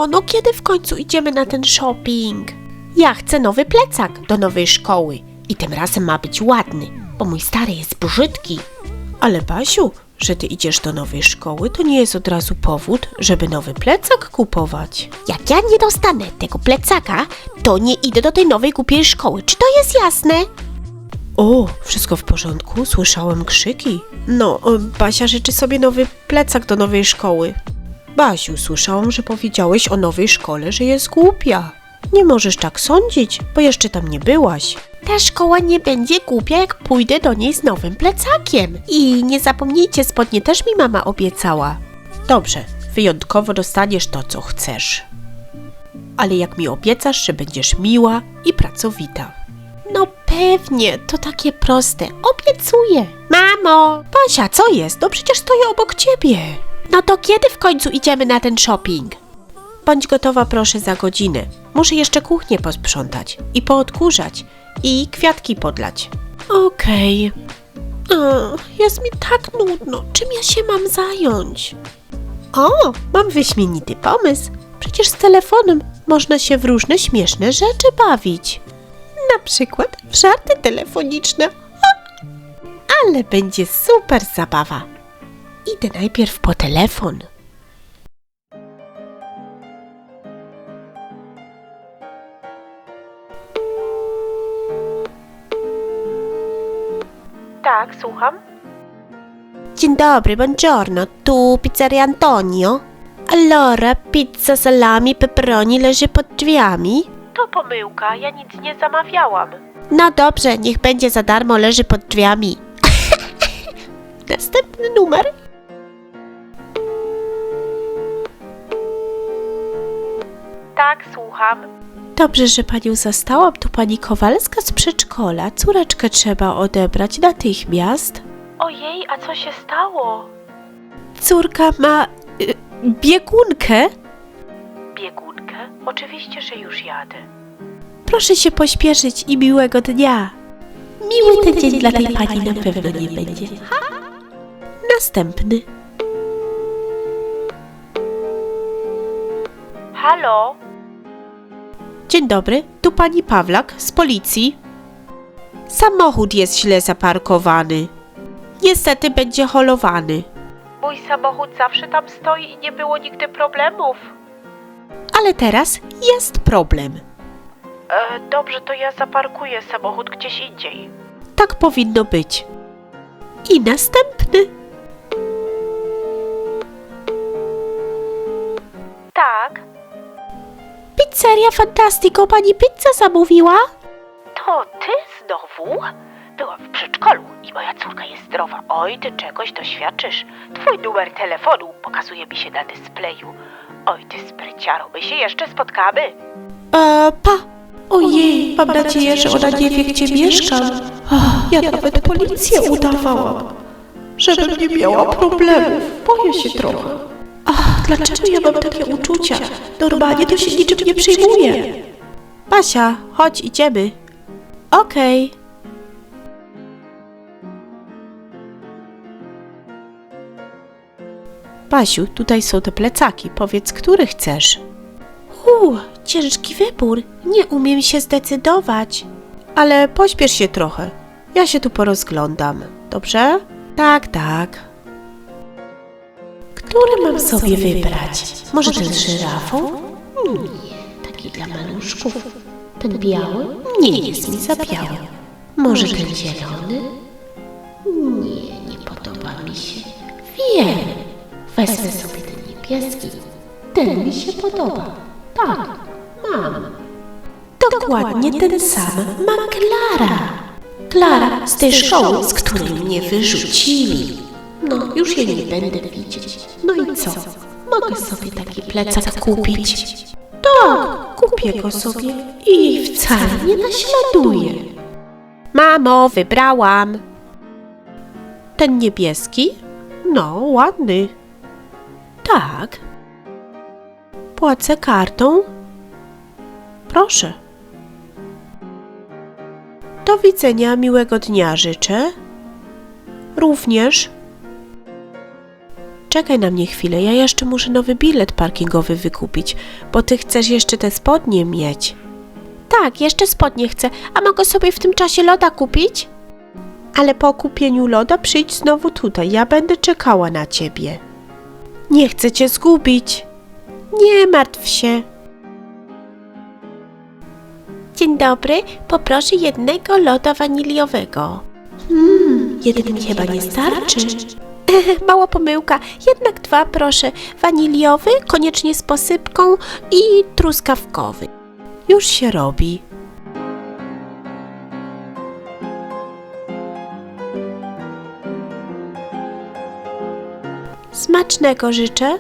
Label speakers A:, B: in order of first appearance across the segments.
A: Mamo, no kiedy w końcu idziemy na ten shopping? Ja chcę nowy plecak do nowej szkoły i tym razem ma być ładny, bo mój stary jest brzydki. Ale Basiu, że ty idziesz do nowej szkoły, to nie jest od razu powód, żeby nowy plecak kupować. Jak ja nie dostanę tego plecaka, to nie idę do tej nowej głupiej szkoły. Czy to jest jasne? O, wszystko w porządku? Słyszałem krzyki. No, Basia życzy sobie nowy plecak do nowej szkoły. Basiu, słyszałam, że powiedziałeś o nowej szkole, że jest głupia. Nie możesz tak sądzić, bo jeszcze tam nie byłaś. Ta szkoła nie będzie głupia, jak pójdę do niej z nowym plecakiem. I nie zapomnijcie, spodnie też mi mama obiecała. Dobrze, wyjątkowo dostaniesz to, co chcesz. Ale jak mi obiecasz, że będziesz miła i pracowita. No pewnie, to takie proste. Obiecuję. Mamo! Basia, co jest? No przecież stoję obok ciebie. No to kiedy w końcu idziemy na ten shopping? Bądź gotowa proszę za godzinę. Muszę jeszcze kuchnię posprzątać i poodkurzać i kwiatki podlać. Okej. Jest mi tak nudno. Czym ja się mam zająć? O, mam wyśmienity pomysł. Przecież z telefonem można się w różne śmieszne rzeczy bawić. Na przykład w żarty telefoniczne. Ale będzie super zabawa. Idę najpierw po telefon. Tak, słucham. Dzień dobry, buongiorno. Tu pizzeria Antonio. Allora, pizza salami pepperoni leży pod drzwiami? To pomyłka, ja nic nie zamawiałam. No dobrze, niech będzie za darmo, leży pod drzwiami. Następny numer. Tak, słucham. Dobrze, że panią zastałam. Tu pani Kowalska z przedszkola. Córeczkę trzeba odebrać natychmiast. Ojej, a co się stało? Córka ma biegunkę. Biegunkę? Oczywiście, że już jadę. Proszę się pośpieszyć i miłego dnia. Miły ten dzień dla tej pani na pewno nie będzie. Następny. Halo? Dzień dobry, tu pani Pawlak z policji. Samochód jest źle zaparkowany. Niestety będzie holowany. Mój samochód zawsze tam stoi i nie było nigdy problemów. Ale teraz jest problem. Dobrze, to ja zaparkuję samochód gdzieś indziej. Tak powinno być. I następny. Tak. Pizzeria Fantastico, pani pizzę zamówiła? To ty znowu? Byłam w przedszkolu i moja córka jest zdrowa. Oj, ty czegoś doświadczysz. Twój numer telefonu pokazuje mi się na dyspleju. Oj, ty spryciaro, my się jeszcze spotkamy. Pa. Ojej, mam nadzieję, że ona nie wie, gdzie mieszkam. Ja nawet policję udawałam, żebym nie miała problemów. Boję się trochę. Dlaczego ja mam takie uczucia? Normalnie to się niczym nie przejmuję. Basia, chodź, idziemy. Okej. Basiu, tutaj są te plecaki. Powiedz, który chcesz. Ciężki wybór. Nie umiem się zdecydować. Ale pośpiesz się trochę. Ja się tu porozglądam. Dobrze? Tak. Który mam sobie wybrać? Może ten z żyrafą? Nie, taki dla maluszków. Ten biały? Nie jest mi za biały. Może ten zielony? Nie podoba mi się. Wiem, wezmę sobie ten niebieski. Ten mi się podoba. Tak, mam. Dokładnie ten sam ma Klara. Klara z tej szkoły, z której mnie wyrzucili. No, już jej nie będę widzieć. No i co? Mogę sobie taki plecak kupić. Tak, kupię go sobie i jej wcale nie naśladuję. Mamo, wybrałam. Ten niebieski? No, ładny. Tak. Płacę kartą? Proszę. Do widzenia, miłego dnia życzę. Również. Czekaj na mnie chwilę, ja jeszcze muszę nowy bilet parkingowy wykupić, bo ty chcesz jeszcze te spodnie mieć. Tak, jeszcze spodnie chcę, a mogę sobie w tym czasie loda kupić? Ale po kupieniu loda przyjdź znowu tutaj, ja będę czekała na ciebie. Nie chcę cię zgubić. Nie martw się. Dzień dobry, poproszę jednego loda waniliowego. Jeden mi chyba nie starczy. Mała pomyłka, jednak 2 proszę. Waniliowy, koniecznie z posypką i truskawkowy. Już się robi. Smacznego życzę.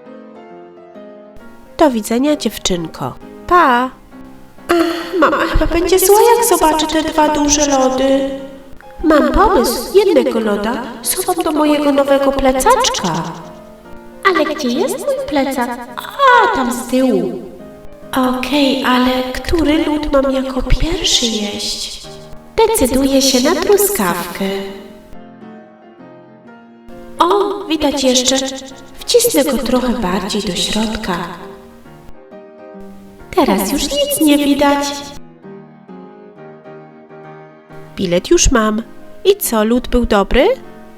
A: Do widzenia, dziewczynko. Pa! Mama chyba będzie zła, jak zobaczy te 2 duże lody. Mam pomysł. Jednego loda schowam do mojego nowego plecaczka. Ale gdzie jest mój plecak? A, tam z tyłu. Okej, ale który lód mam jako pierwszy jeść? Decyduję się na truskawkę. O, widać jeszcze. Wcisnę go trochę bardziej do środka. Teraz już nic nie widać. Bilet już mam. I co, lód był dobry?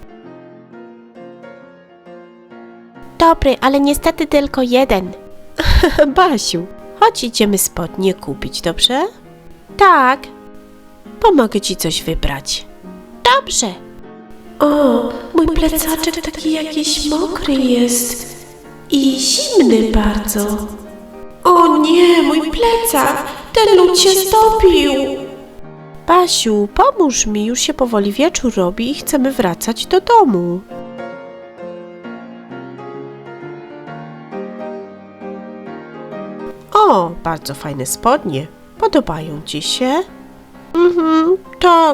A: Dobry, ale niestety tylko jeden. Basiu, chodź idziemy spodnie kupić, dobrze? Tak. Pomogę ci coś wybrać. Dobrze. O, mój plecaczek taki jakiś mokry jest. I zimny bardzo. O nie, mój plecak! Ten lód się stopił! Basiu, pomóż mi, już się powoli wieczór robi i chcemy wracać do domu. O, bardzo fajne spodnie. Podobają ci się? Tak.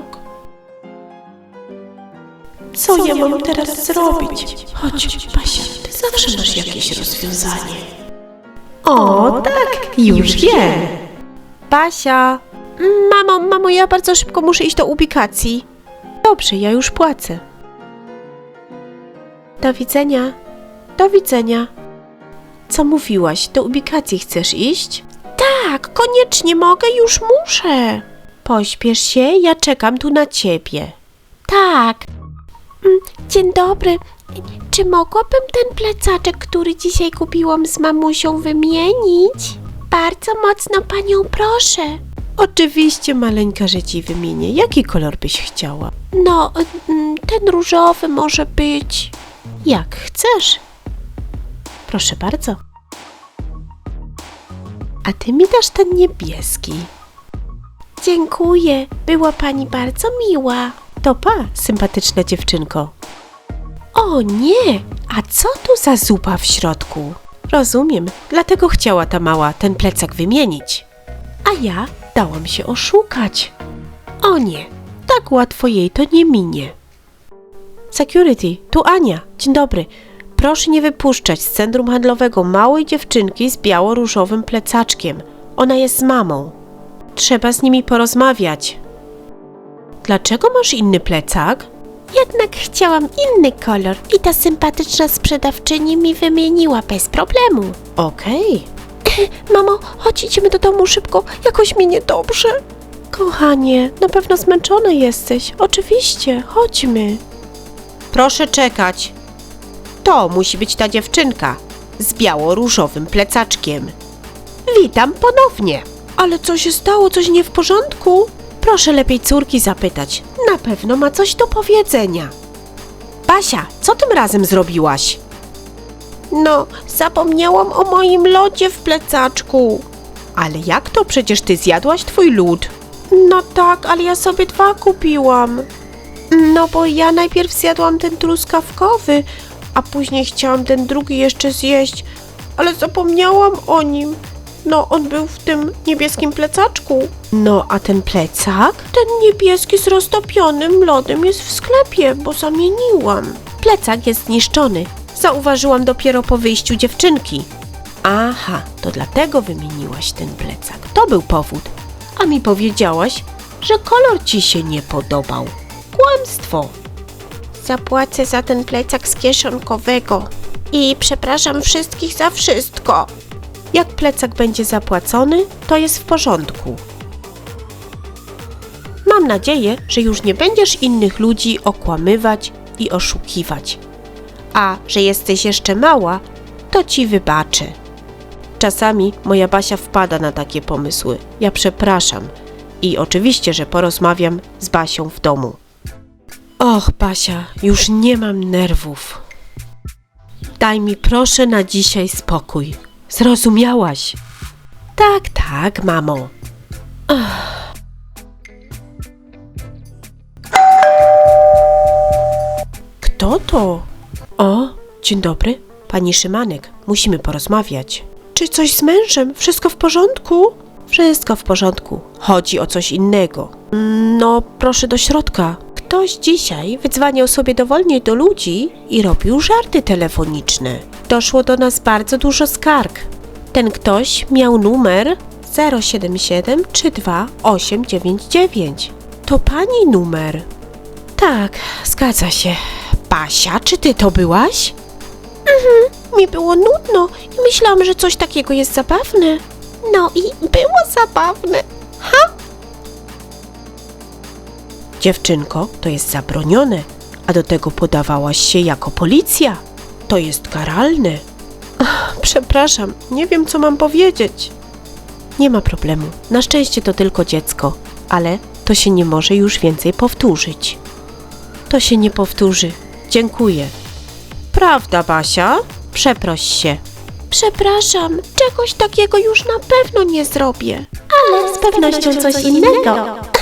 A: Co ja mam teraz zrobić? Chodź, Basia, ty zawsze masz jakieś rozwiązanie. O, tak, już wiem. Basia. Mamo, ja bardzo szybko muszę iść do ubikacji. Dobrze, ja już płacę. Do widzenia. Do widzenia. Co mówiłaś? Do ubikacji chcesz iść? Tak, koniecznie mogę, już muszę. Pośpiesz się, ja czekam tu na ciebie. Tak. Dzień dobry. Czy mogłabym ten plecaczek, który dzisiaj kupiłam z mamusią, wymienić? Bardzo mocno panią proszę. Oczywiście, maleńka, że ci wymienię. Jaki kolor byś chciała? No, ten różowy może być. Jak chcesz. Proszę bardzo. A ty mi dasz ten niebieski. Dziękuję. Była pani bardzo miła. To pa, sympatyczna dziewczynko. O nie! A co tu za zupa w środku? Rozumiem, dlatego chciała ta mała ten plecak wymienić. A ja dałam się oszukać. O nie, tak łatwo jej to nie minie. Security, tu Ania. Dzień dobry. Proszę nie wypuszczać z centrum handlowego małej dziewczynki z biało-różowym plecaczkiem. Ona jest z mamą. Trzeba z nimi porozmawiać. Dlaczego masz inny plecak? Jednak chciałam inny kolor i ta sympatyczna sprzedawczyni mi wymieniła bez problemu. Okej. Mamo, chodź, idziemy do domu szybko, jakoś mi niedobrze. Kochanie, na pewno zmęczona jesteś. Oczywiście, chodźmy. Proszę czekać. To musi być ta dziewczynka z biało-różowym plecaczkiem. Witam ponownie. Ale co się stało? Coś nie w porządku? Proszę lepiej córki zapytać. Na pewno ma coś do powiedzenia. Basia, co tym razem zrobiłaś? No, zapomniałam o moim lodzie w plecaczku. Ale jak to? Przecież ty zjadłaś twój lód. No tak, ale ja sobie 2 kupiłam. No bo ja najpierw zjadłam ten truskawkowy, a później chciałam ten drugi jeszcze zjeść, ale zapomniałam o nim. No, on był w tym niebieskim plecaczku. No, a ten plecak? Ten niebieski z roztopionym lodem jest w sklepie, bo zamieniłam. Plecak jest zniszczony. Zauważyłam dopiero po wyjściu dziewczynki. Aha, to dlatego wymieniłaś ten plecak. To był powód. A mi powiedziałaś, że kolor ci się nie podobał. Kłamstwo. Zapłacę za ten plecak z kieszonkowego. I przepraszam wszystkich za wszystko. Jak plecak będzie zapłacony, to jest w porządku. Mam nadzieję, że już nie będziesz innych ludzi okłamywać i oszukiwać. A że jesteś jeszcze mała, to ci wybaczę. Czasami moja Basia wpada na takie pomysły. Ja przepraszam. I oczywiście, że porozmawiam z Basią w domu. Och, Basia, już nie mam nerwów. Daj mi proszę na dzisiaj spokój. Zrozumiałaś? Tak, mamo. Kto to? O, dzień dobry. Pani Szymanek, musimy porozmawiać. Czy coś z mężem? Wszystko w porządku? Wszystko w porządku. Chodzi o coś innego. No, proszę do środka. Ktoś dzisiaj wydzwaniał sobie dowolnie do ludzi i robił żarty telefoniczne. Doszło do nas bardzo dużo skarg. Ten ktoś miał numer 077329899. To pani numer. Tak, zgadza się. Basia, czy ty to byłaś? Mi było nudno i myślałam, że coś takiego jest zabawne. No i było zabawne. Dziewczynko, to jest zabronione, a do tego podawałaś się jako policja. To jest karalne. Przepraszam, nie wiem, co mam powiedzieć. Nie ma problemu. Na szczęście to tylko dziecko, ale to się nie może już więcej powtórzyć. To się nie powtórzy. Dziękuję. Prawda, Basia? Przeproś się. Przepraszam, czegoś takiego już na pewno nie zrobię. Ale z pewnością coś innego.